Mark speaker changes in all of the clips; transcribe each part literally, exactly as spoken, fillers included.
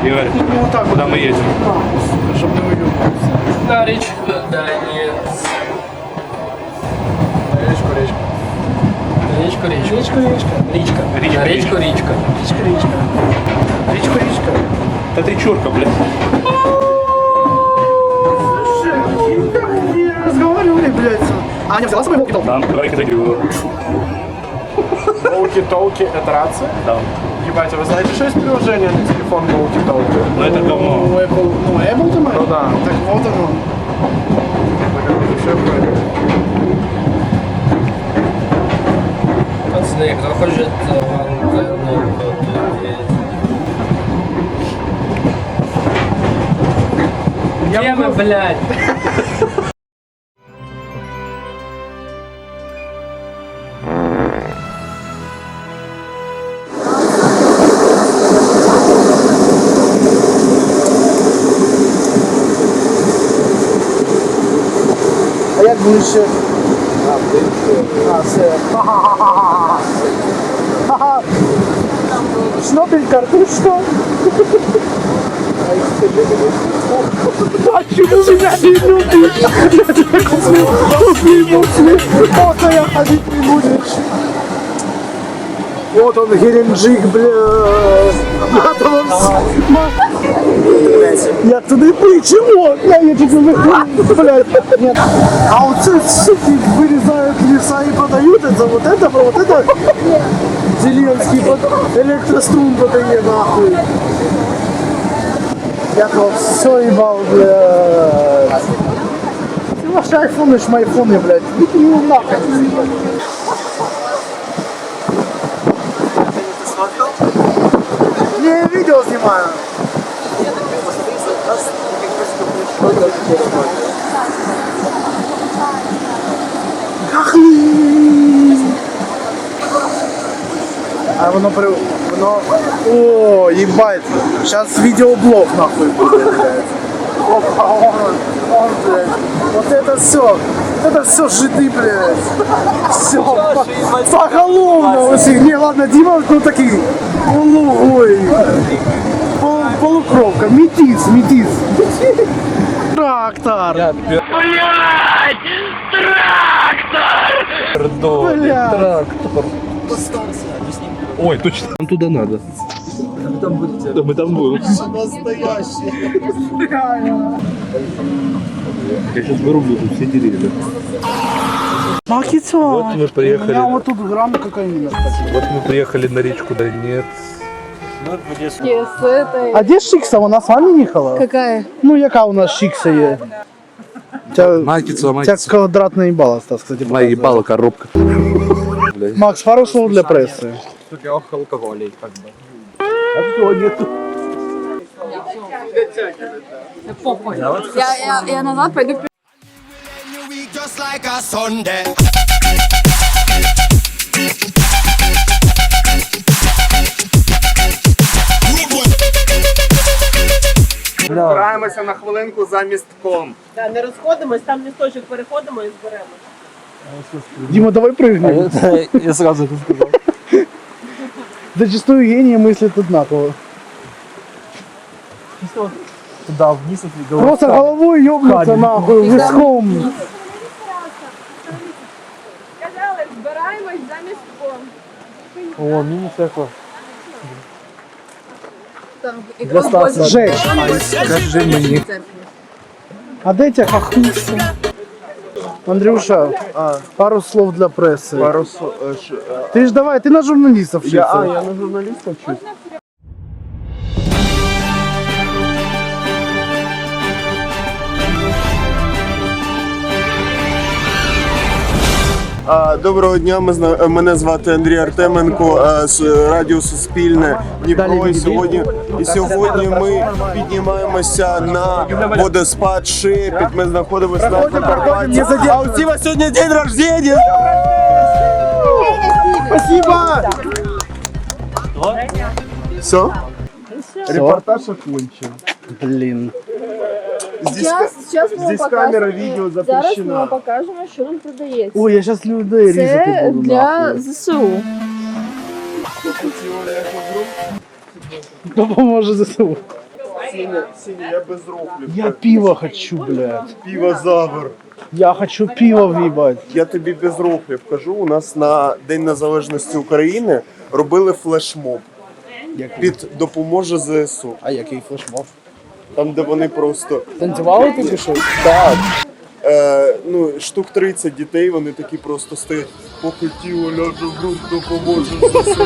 Speaker 1: Игорь,
Speaker 2: Ну, вот так
Speaker 1: куда
Speaker 2: вот.
Speaker 1: мы едем?
Speaker 2: А, чтобы не выебывался.
Speaker 3: На речку, да, нет.
Speaker 2: Речку, речку.
Speaker 3: Речку, речку.
Speaker 2: Речку, речка.
Speaker 3: Речка.
Speaker 1: Речка,
Speaker 3: На речку, речка.
Speaker 2: Речка, речка. Речку, речка.
Speaker 1: Это ты чурка, блядь.
Speaker 2: Не разговаривали, блядь. А, не взяла с собой волки-толки?
Speaker 1: Там, давай-ка даю.
Speaker 2: Волки-толки — это рация?
Speaker 1: Да.
Speaker 2: Ебать, а вы знаете, что есть приложение на телефон волки-толки?
Speaker 1: Ну это говно.
Speaker 2: Ну, Apple, ну, Apple, думаю?
Speaker 1: Ну да.
Speaker 2: Так вот оно.
Speaker 3: Пацаны, кто хочет ванну, где мы, блядь?
Speaker 2: А як ближче? А, все. Ха-ха-ха-ха. Ха-ха. Шнобель картошка. А чему меня не любишь? Я тебя куплю, куплю, куплю. Просто я ходить не будешь. Вот он, Геленджик, блядь. Я туди чего? Я чуть не выхожу, блядь. Нет. А вот эти суки вырезают леса и продают это, вот это, вот это. Зеленский под электрострум продает, нахуй. Я тут все ебал, блядь. Ты ваши айфоны, ж мои айфоны, блядь. Ну нахуй. Не, я видео снимаю. Ахли! А воно при... воно... О, ебать! Сейчас видеоблог нахуй будет, блядь. Опа, он, он, блядь. Вот это все. Вот это все жиды, блядь. Все. Поголовно у всех. Не, ладно, Дима, ну такие. Ой. Пол, полукровка. Метис, метис. Трактор.
Speaker 1: Блядь! Трактор!
Speaker 2: Блядь.
Speaker 1: Трактор. Ой, точно. Нам туда надо.
Speaker 3: Вы там будете.
Speaker 1: Да мы там будем.
Speaker 2: Настоящий.
Speaker 1: Я сейчас вырублю тут все деревья.
Speaker 2: Макицо.
Speaker 1: Вот мы приехали.
Speaker 2: У меня вот тут грамм кокаина, кстати.
Speaker 1: Вот мы приехали на речку Донец.
Speaker 4: С этой.
Speaker 2: А где Шикса? Вона с вами ехала?
Speaker 4: Какая?
Speaker 2: Ну, яка у нас Шикса є? Тебя,
Speaker 1: Майкицу,
Speaker 2: тебя
Speaker 1: майкицу.
Speaker 2: квадрат наебало, Стас, кстати.
Speaker 1: Моя ебала коробка. Блядь.
Speaker 2: Макс, пару слов для прессы.
Speaker 3: Алкоголей, как бы.
Speaker 1: А всего нету.
Speaker 4: Я, я, я назад пойду.
Speaker 5: Just like a Sunday.
Speaker 6: Збираємося на хвилинку за містком.
Speaker 7: Да, не розходимось, там лісточок переходимо і зберемо.
Speaker 2: Дима, давай прыгнем.
Speaker 3: Я сразу это сказал.
Speaker 2: Зачастую гении мыслят одинаково.
Speaker 3: Туда вниз и
Speaker 2: Просто головой ёбнуться нахуй, виском.
Speaker 4: Сказали, збираємось за містком.
Speaker 3: О, мини всякого.
Speaker 4: Там, і
Speaker 3: Для Стаса.
Speaker 2: Жесть.
Speaker 1: Скажи мені.
Speaker 2: А де тебя хохлиться? Андрюша, пару слов для прессы.
Speaker 6: Пару слов.
Speaker 2: Ты ж давай, ты на журналистов
Speaker 6: Я, а,
Speaker 2: вчишься.
Speaker 6: я на журналіста вчусь. А, Доброго дня, ми зна- мене звати Андрій Артеменко, а, з Радіо Суспільне Дніпро. І сьогодні, і сьогодні ми піднімаємося на водоспад Шепіт. Ми знаходимося на Прикарпатті. А у Стіва сьогодні день рождения!
Speaker 2: Спасибо!
Speaker 6: Все? Репортаж окончен.
Speaker 2: Блин.
Speaker 6: Здесь,
Speaker 4: Зараз, зараз ми
Speaker 6: здесь
Speaker 4: вам
Speaker 6: камера
Speaker 4: покажемо.
Speaker 6: відео
Speaker 4: Зараз ми вам
Speaker 6: запрещена.
Speaker 4: покажемо, що нам продається.
Speaker 2: Ой, я сейчас людей різати
Speaker 4: Це
Speaker 2: буду.
Speaker 4: для
Speaker 2: нахуй.
Speaker 4: ЗСУ.
Speaker 2: Допоможе ЗСУ.
Speaker 6: Сеня, Сеня, я без рофлів.
Speaker 2: Я пиво хочу, блядь.
Speaker 6: Півозавр.
Speaker 2: Я хочу пиво въебать.
Speaker 6: Я тобі без рофлів кажу, у нас на День Незалежності України робили флешмоб. Під допоможе ЗСУ.
Speaker 2: А який флешмоб?
Speaker 6: Там, де вони просто
Speaker 2: Танцювали ти чи що?
Speaker 6: так. Е, ну, штук тридцять дітей, вони такі просто стоять. Поки тіло ляже в груд, допоможе ЗСУ.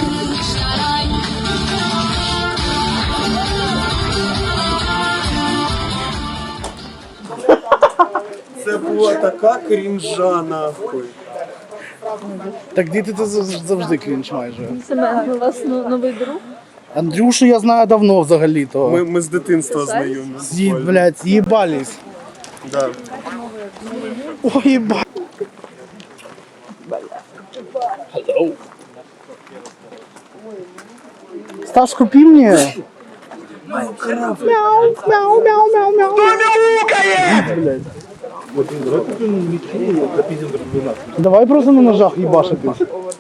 Speaker 6: Це була така крінжа, нахуй.
Speaker 2: Так діти це зав- завжди крінж майже.
Speaker 4: Це у вас ну- новий друг?
Speaker 2: Андрюшу я знаю давно взагалі-то.
Speaker 6: Ми, ми з дитинства знайомі.
Speaker 2: З'ї, блядь, їбались.
Speaker 6: Да.
Speaker 2: Ой, єба. Стас, купи мне. Мяу, мяу, мяу, мяу, мяу. Блядь. Давай просто на ножах ебашитись.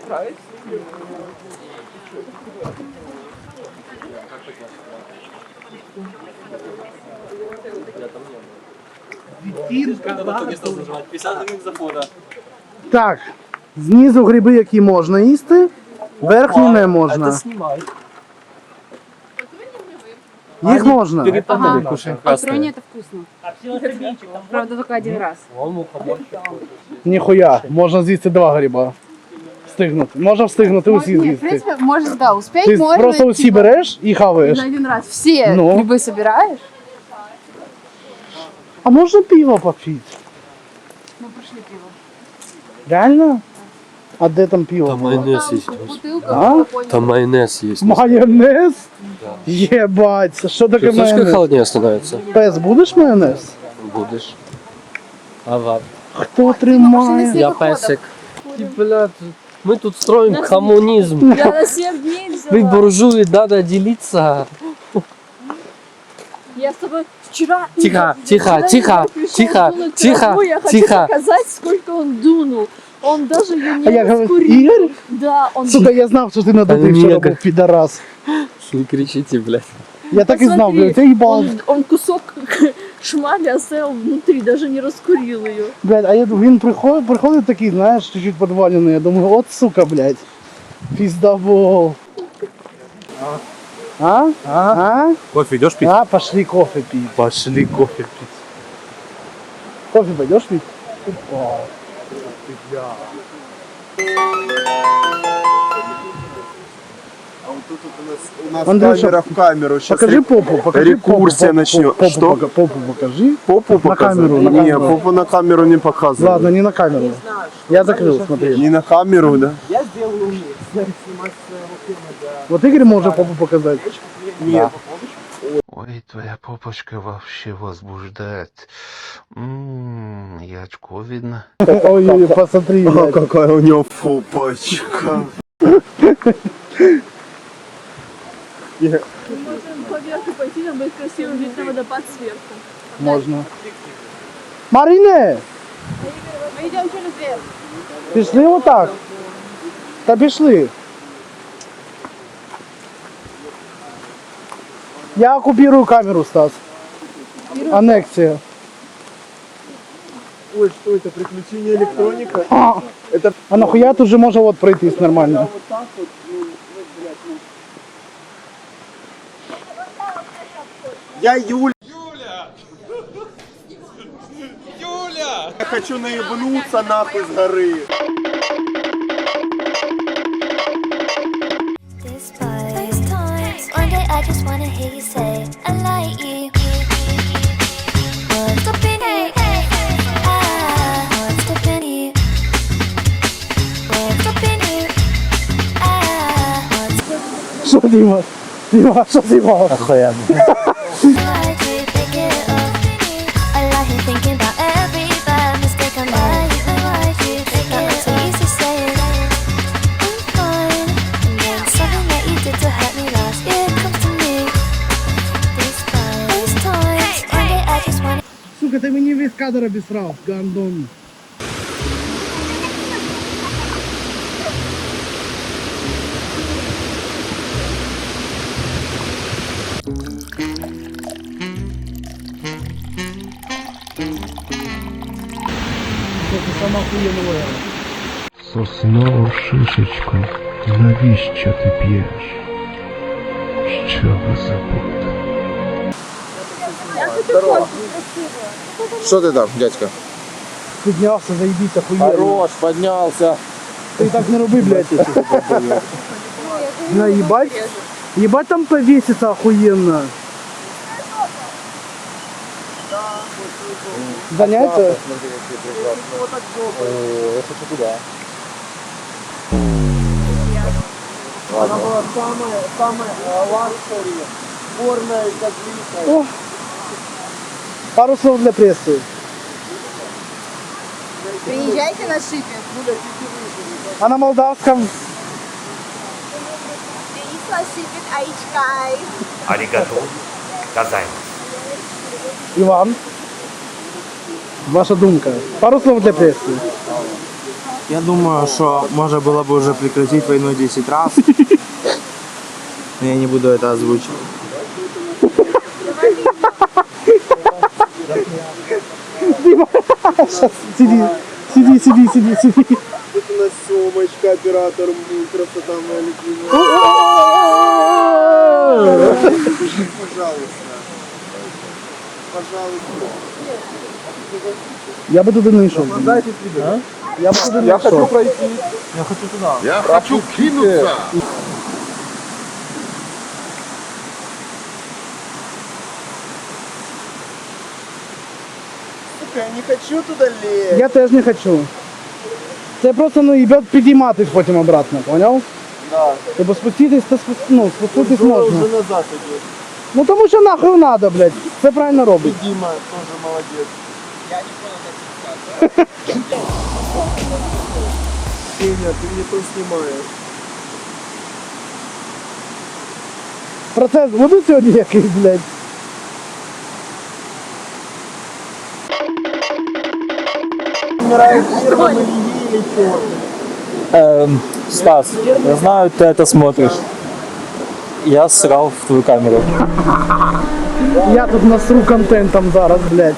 Speaker 2: Так, знизу гриби, які можна їсти, верхні не можна. Їх можна.
Speaker 4: Патроне это вкусно. Правда, только один раз.
Speaker 2: Ніхуя, можна з'їсти два гриба. Встигнути. Можна встигнути усі
Speaker 4: Нет, в
Speaker 2: з'їсти.
Speaker 4: принципе, можешь, да, успеть
Speaker 2: Ти
Speaker 4: можно.
Speaker 2: просто усі
Speaker 4: типа,
Speaker 2: береш і хаваєш.
Speaker 4: на один раз. Все
Speaker 2: Ну.
Speaker 4: грибы собираешь?
Speaker 2: А можна пиво попити?
Speaker 4: Мы прошли пиво.
Speaker 2: Реально? А де там пиво?
Speaker 8: Там
Speaker 2: було?
Speaker 8: майонез есть.
Speaker 4: Бутылка,
Speaker 2: А?
Speaker 4: какой-нибудь.
Speaker 8: Там майонез есть.
Speaker 2: Майонез? Єбать, що таке
Speaker 8: Слышишь, как
Speaker 2: майонез?
Speaker 8: холоднее становится?
Speaker 2: Пес, будеш майонез?
Speaker 8: Будешь. Ага.
Speaker 2: Хто тримає?
Speaker 8: Я песик. И, блядь, мы тут строим коммунизм.
Speaker 4: Я на семь дней взяла.
Speaker 8: Вы буржуи, надо делиться.
Speaker 4: Я с тобой вчера...
Speaker 8: Тихо,
Speaker 4: Игорь,
Speaker 8: тихо,
Speaker 4: вчера
Speaker 8: тихо,
Speaker 4: Игорь пришел,
Speaker 8: тихо,
Speaker 4: дунул
Speaker 8: тихо,
Speaker 4: траву, Я хочу
Speaker 8: тихо.
Speaker 4: показать, сколько он дунул. Он даже ее не
Speaker 2: А я говорю,
Speaker 4: раскурил.
Speaker 2: Игорь?
Speaker 4: Да, он...
Speaker 2: Сука, я знав, що ти надутий
Speaker 8: Ні,
Speaker 2: вчора
Speaker 8: як-
Speaker 2: був, підарас.
Speaker 8: Не кричите, блядь.
Speaker 2: Я так і знав,
Speaker 4: Посмотри,
Speaker 2: блядь, я їбал.
Speaker 4: Он, он кусок шмали оставил внутри, даже не раскурил ее.
Speaker 2: Блядь, а я, він приходить, приходить такий, знаєш, чуть-чуть подвалений. Я думаю, от сука, блядь. Пиздобол. А? А? А?
Speaker 3: Кофе идешь пить?
Speaker 2: А, пошли кофе пить.
Speaker 3: Пошли кофе пить.
Speaker 2: Кофе пойдешь пить? Опа.
Speaker 6: А вот тут у нас, у нас
Speaker 2: Андрюша,
Speaker 6: камера в камеру. Сейчас
Speaker 2: Покажи попу, покажи
Speaker 6: рекурсия
Speaker 2: попу,
Speaker 6: начнет.
Speaker 2: попу,
Speaker 6: Что?
Speaker 2: пока- попу покажи.
Speaker 6: Попу
Speaker 2: На
Speaker 6: показывать?
Speaker 2: камеру, на
Speaker 6: Не,
Speaker 2: камеру.
Speaker 6: попу на камеру не показывай.
Speaker 2: Ладно, не на камеру. Я закрыл, смотри.
Speaker 6: Не на камеру, да?
Speaker 2: Вот Игорь может попу показать.
Speaker 6: Нет.
Speaker 9: Ой, твоя попочка вообще возбуждает. М-м, и очко видно.
Speaker 2: Ой-ой, посмотри,
Speaker 6: А
Speaker 2: блядь.
Speaker 6: какая у него попочка.
Speaker 4: Мы можем поверху пойти, нам будет красиво видно водопад сверху.
Speaker 2: Можно. Марине,
Speaker 4: Мы идем через дверь.
Speaker 2: пішли отак. Та пішли. Я оккупирую камеру, Стас. Аннексия.
Speaker 6: Ой, что это? Приключение электроника?
Speaker 2: А, а нахуя тут же можно вот пройтись нормально?
Speaker 6: Я Юля. Юля! Юля! Я хочу наебнуться нахуй с горы.
Speaker 10: Despise times. One day I just wanna hear you say I like you. What's up in you? Ah, what's up in you? What's up in you? Ah, what's
Speaker 2: Что, Дима? Дима, что Дима?
Speaker 8: Охуенно.
Speaker 10: like you? Pick it up. I like you thinking about every bad mistake I made. I like you. Pick it up. So easy saying I'm fine, and then something that you did to hurt me last year comes to me. Despise those times. One day I just wanna.
Speaker 2: Сука, ты мне весь кадр обесрал, гандон. там охуєнно виграє.
Speaker 9: Соснову шишечку, навіщо ти п'єш? Щоб забути.
Speaker 6: Що ти там, дядька?
Speaker 2: Піднявся, заїбіться, охуєнно.
Speaker 8: Хорош, поднялся.
Speaker 2: Ти так не роби, блядь. На, ебать. Ебать там повесится охуенно. Занятия?
Speaker 6: Она была самая, самая лакшери, горная, как
Speaker 2: О, пару слов для прессы.
Speaker 4: Приезжайте на шипе.
Speaker 2: А на молдавском?
Speaker 1: Аригато. Казань.
Speaker 2: Иван. Ваша думка. Пару слов для прессы.
Speaker 3: Я думаю, що можна було б вже прекратити війну десять разів. Но я не буду это озвучивать.
Speaker 2: Сейчас, сиди, сиди, сиди, сиди, сиди.
Speaker 6: Это у нас Сёмочка, оператор, красота моя любимая. Пожалуйста. Пожалуйста.
Speaker 2: Я бы туда не шел. А? Я бы туда не
Speaker 6: Я хочу
Speaker 2: шел.
Speaker 6: пройти.
Speaker 3: Я хочу туда.
Speaker 6: Я хочу кинуться. Сука, я не хочу туда лезть.
Speaker 2: Я теж не хочу. Це просто, ну, їбет підійматись потім обратно, поняв?
Speaker 6: Да.
Speaker 2: Тобто спуститись, то спу... ну, спуститись
Speaker 6: Уже
Speaker 2: можна.
Speaker 6: назад идет.
Speaker 2: Ну тому що нахуй надо, блядь. Це правильно робить.
Speaker 6: Дима тоже молодец. Сеня, ты мне то снимаешь.
Speaker 2: Процес буде сьогодні якийсь, блядь?
Speaker 3: Эм, Стас, я знаю, ты это смотришь. Я срал в твою камеру.
Speaker 2: Я тут насру контентом зараз, блядь.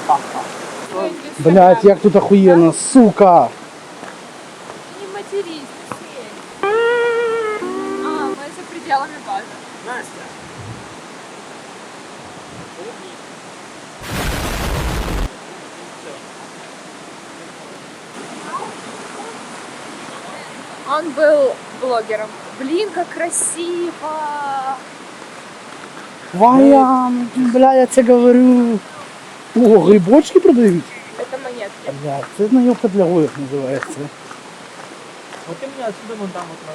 Speaker 2: Блядь, як тут охуєнно, сука.
Speaker 4: Не матерись, ты А, мы за пределами базы. Настя. Он был блогером. Блин, как красиво!
Speaker 2: Ваян, бля, я це говорю. О, грибочки продають?
Speaker 4: Это монетки.
Speaker 2: Блядь, це наївка для гоїв називається.
Speaker 3: Вот ты меня отсюда вон там вот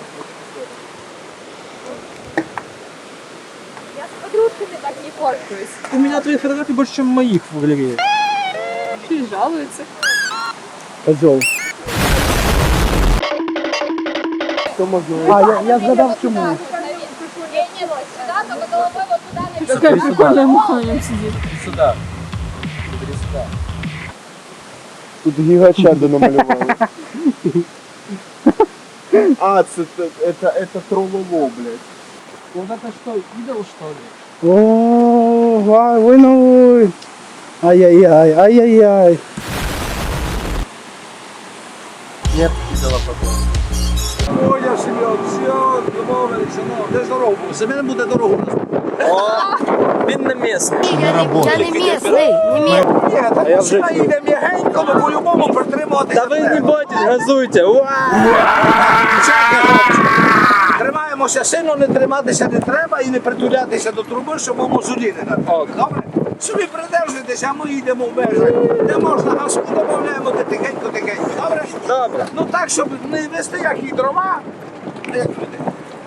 Speaker 4: Я с подружками так не фоткаюсь.
Speaker 3: У меня твоих фотографий больше, чем моих в галерее.
Speaker 4: И жалуются.
Speaker 2: Козел. А, я, я згадав чому.
Speaker 4: Не, не, вот сюда, только головой вот туда.
Speaker 3: Какая прикольная
Speaker 4: муха на нем сидит.
Speaker 3: Сюда.
Speaker 6: Тут гигачада намалевали. А, это, это, это троллово, блядь.
Speaker 8: Вот это что, идол что ли?
Speaker 2: О, вай, ой, ну ой. Ай-яй-яй, ай-яй-яй.
Speaker 3: Нет идола пока.
Speaker 1: Ой, я живет, все, домовилися, ну, де дорогу? За мене буде дорогу.
Speaker 8: Він не місний.
Speaker 10: Я не местный, не местный.
Speaker 1: Ні, так машина їде м'ягенько, ну по-любому притримуватися.
Speaker 8: Та ви не бойтесь, газуйте.
Speaker 1: Тримаємося сильно, не триматися не треба і не притулятися до труби, щоб у мозолі не напали. Добре? Собі придержуйтеся, а ми їдемо в межах. Де можна газку додаємо, де тихенько-тихенько. Добре?
Speaker 8: Добре.
Speaker 1: Ну так, щоб не вести як і дрова, а як люди.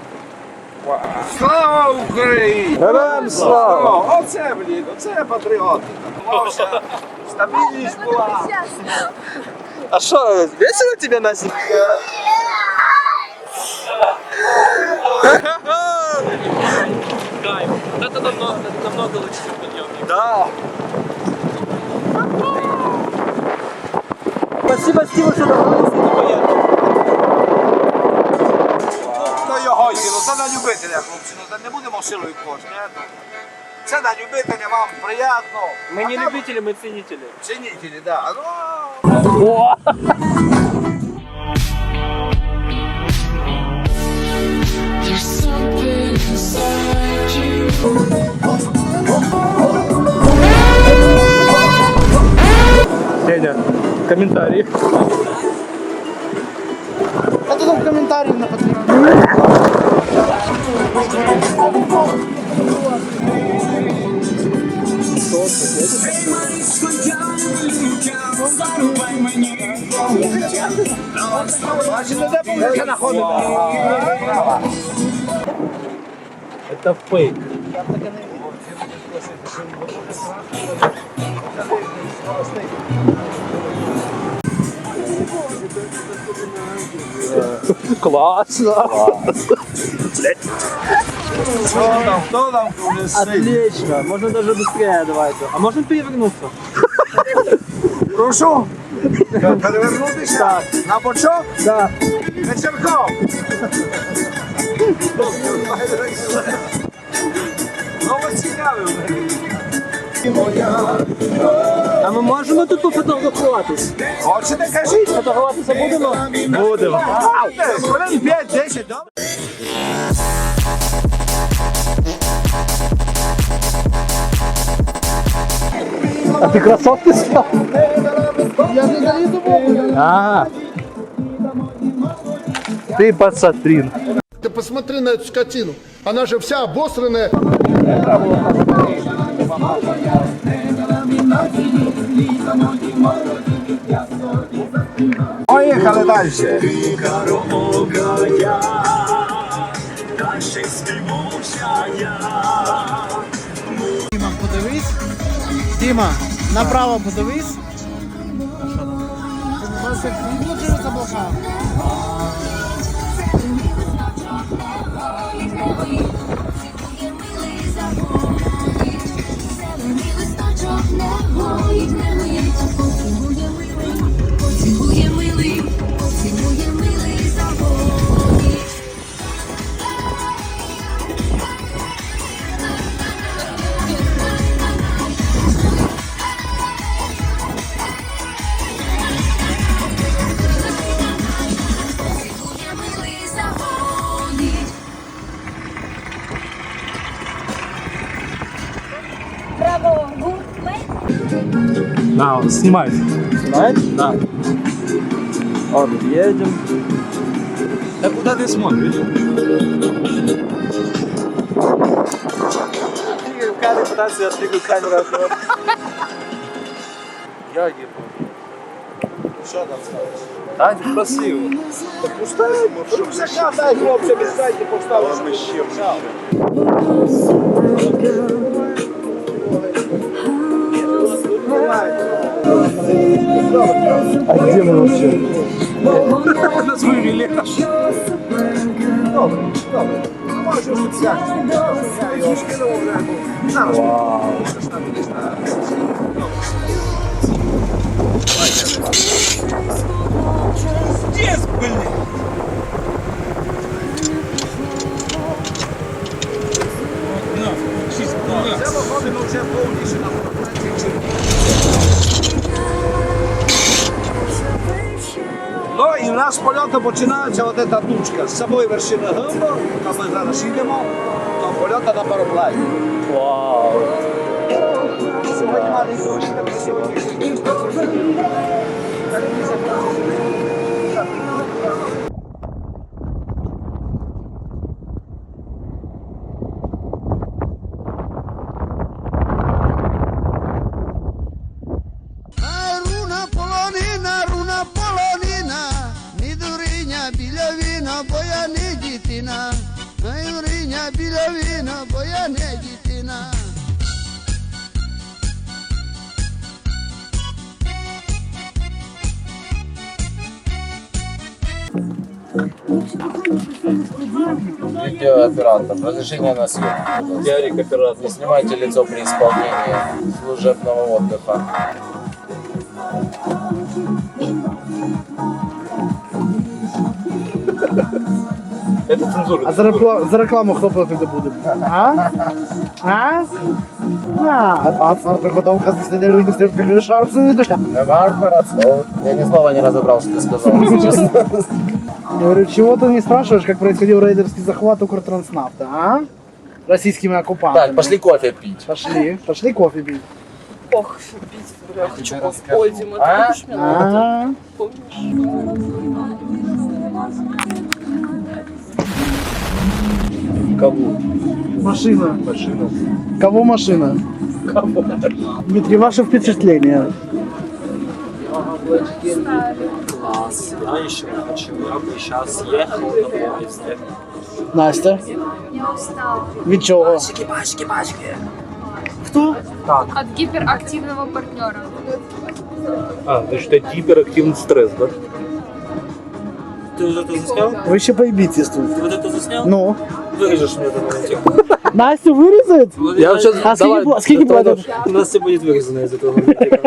Speaker 1: Слава Україні!
Speaker 8: Героям слава!
Speaker 1: О, оце, блін, оце патріотика. Вовся, стабільність була.
Speaker 8: А что, весело тебе, Настя? Кайф. Это намного, это намного лучше, чем подъемник. Да. Спасибо, Стиву, что добрался до поездки.
Speaker 1: Ну його, ну це на любителя, хлопці, ну це не будемо силою кошти. Це на любителя, вам приємно.
Speaker 8: Мы не любители, мы ценители.
Speaker 1: Цінітелі, так. Да. Ну,
Speaker 3: Деня, комментарии.
Speaker 2: А то там комментариев на Патреоне.
Speaker 3: Это фейк. Классно.
Speaker 1: Хто там, хто там вже сидить?
Speaker 3: Отлично. Можно даже быстрее давайте. А можно перевернуться?
Speaker 1: Прошу. Перевернутися? Так. На бочок?
Speaker 3: Да.
Speaker 1: Вечірком. Ну, ось цікавий.
Speaker 3: А ми можемо тут пофотографуватись?
Speaker 1: Хочете, кажіть?
Speaker 3: Фотографуватися будемо?
Speaker 1: Будемо. Хвилин п'ять-десять, добре?
Speaker 3: А ты кроссовки снял?
Speaker 2: Я не залезу в обувь.
Speaker 3: А, ты пацатрин.
Speaker 11: Ты посмотри на эту скотину. Она же вся обосранная.
Speaker 1: Поїхали далі.
Speaker 2: Діма, подивись. Діма, направо подивись. Ну, чого заблокав?
Speaker 3: На, снимай. Снимает? Да. Вот, едем. Да куда ты смотришь? Камера пытается отвлекать камеру. Я ебу. Что там скажешь? А, красиво.
Speaker 1: Пускай, щоб закат, дай хлопця, віддайте, поставили. Ще,
Speaker 3: А где мы вообще?
Speaker 1: На свою вілі. Добре, добре. Ну, може, щось як. Я його скинув, вже. Зараз. Щось там десь на... Здесь, блин! Це виходимо вже повніше на фотографії. Ну і в нас з польоту починається от ця тучка. З собою вершина гамбо, там ми зараз їдемо, до польоту на пароплані.
Speaker 3: Вау.
Speaker 1: Сьогодні маленький дощ, там сьогодні.
Speaker 11: Руна полонина, руна полонина, ні дуриня біля віна, бо я не дитина. Ай, дуриня біля віна, бо я не дитина.
Speaker 12: Видеооператор. Разрешение на съемку. Ярик, оператор. Не снимайте лицо при исполнении служебного отдыха. Это цензура.
Speaker 2: А за, рекла- за рекламу хто платити буде? А? А? А, а подготовка с неделю не стрелки шарфы не душа.
Speaker 12: Я ни слова не разобрал, что ты сказал, если честно.
Speaker 2: Я говорю, чего ты не спрашиваешь, как происходил рейдерский захват Укртранснафта, а? Российскими оккупантами.
Speaker 12: Так, пошли кофе пить.
Speaker 2: Пошли, пошли кофе пить.
Speaker 4: Ох, пить, бля, хочу кофе. Ой, Дима, ты
Speaker 2: А?
Speaker 4: будешь меня
Speaker 2: А?
Speaker 12: Кого?
Speaker 2: Машина.
Speaker 12: Машину.
Speaker 2: Кого машина?
Speaker 12: Кого?
Speaker 2: Дмитрий, ваше впечатление?
Speaker 8: Класс. Я еще хочу. Я бы сейчас ехал на поезде.
Speaker 2: Настя?
Speaker 4: Я устала.
Speaker 2: Від чого?
Speaker 8: Пачки, пачки, пачки.
Speaker 2: Хто?
Speaker 8: Так.
Speaker 4: От гиперактивного партнера.
Speaker 12: А, значит, это гиперактивный стресс, да?
Speaker 8: Ты уже это заснял?
Speaker 2: Ви ще поїбіться тут.
Speaker 8: Ты вот это заснял?
Speaker 2: Ну?
Speaker 8: Вырежешь мне это на тему.
Speaker 2: Настю вирізать?
Speaker 8: Я вот сейчас...
Speaker 2: А скільки, пла- скільки платять?
Speaker 8: У нас все будет вырезано из этого момента.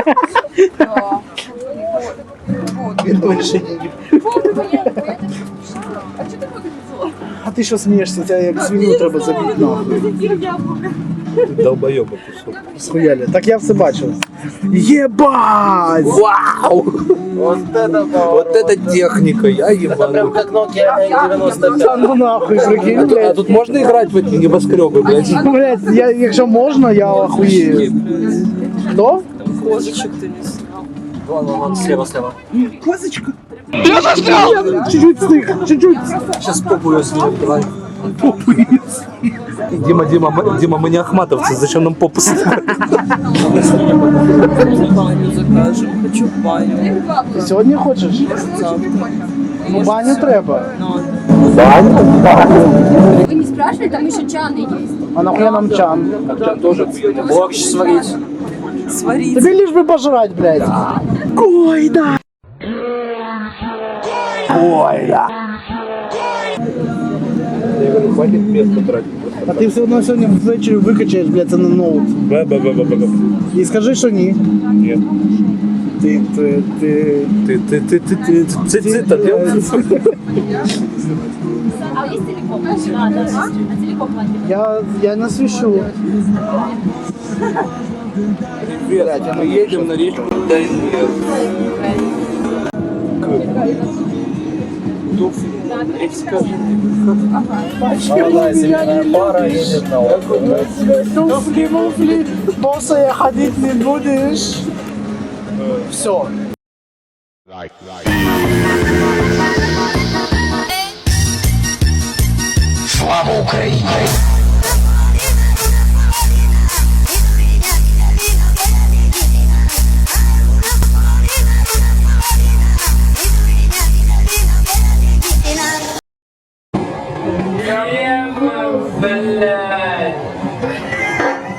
Speaker 4: А что ты выглядела?
Speaker 2: А ти що смієшся? Тебе як свиню треба забити нахуй.
Speaker 12: Долбоёба кусок.
Speaker 2: Схуяли. Так я все бачив. Єбать!
Speaker 12: Вау! Вот это, вот это техника, я ебану.
Speaker 8: Прям как Nokia девяносто пять.
Speaker 2: Та ну нахуй, прикинь,
Speaker 12: А
Speaker 2: блядь.
Speaker 12: тут можно играть в эти небоскребы, блядь?
Speaker 2: Блядь, я, якщо можна, я охуєю. Хто?
Speaker 8: Козочек ты не снял. Вон, вон, вон, слева, слева.
Speaker 2: Козочка. Я заснял! Чуть-чуть стих, чуть-чуть.
Speaker 8: Сейчас попу снимем, давай.
Speaker 12: Дима, Дима, мы, Дима, мы не ахматовцы, зачем нам попу снимать?
Speaker 8: Баню закажем, хочу баню.
Speaker 2: Ти сьогодні хочеш? Ну баню треба.
Speaker 4: Вы не спрашивали, там еще чаны есть.
Speaker 2: А нахуя нам чан?
Speaker 8: Борщ сварить. Сварить.
Speaker 2: Тобі лиш би пожрать, блядь. Гойда! Гойда!
Speaker 12: Я говорю, хватит места тратить.
Speaker 2: А ти все одно сьогодні ввечері викачаєш, блядь, це на ноут.
Speaker 12: Бе-бе-бе-бе-бе.
Speaker 2: І скажи, що ні.
Speaker 12: Нет.
Speaker 2: Ти, ти, ти...
Speaker 12: Ты, ты, ты, ты, ты, ты, ты, ты,
Speaker 4: А есть телеком? Да, да. А телеком платит?
Speaker 2: Я, я не свищу.
Speaker 12: Ребят, мы едем на речку Дальнер.
Speaker 8: Пара едет на отдых.
Speaker 2: Туфли, муфли, босая ходить не будешь. Все.
Speaker 5: Слава Україні!
Speaker 10: Yeah,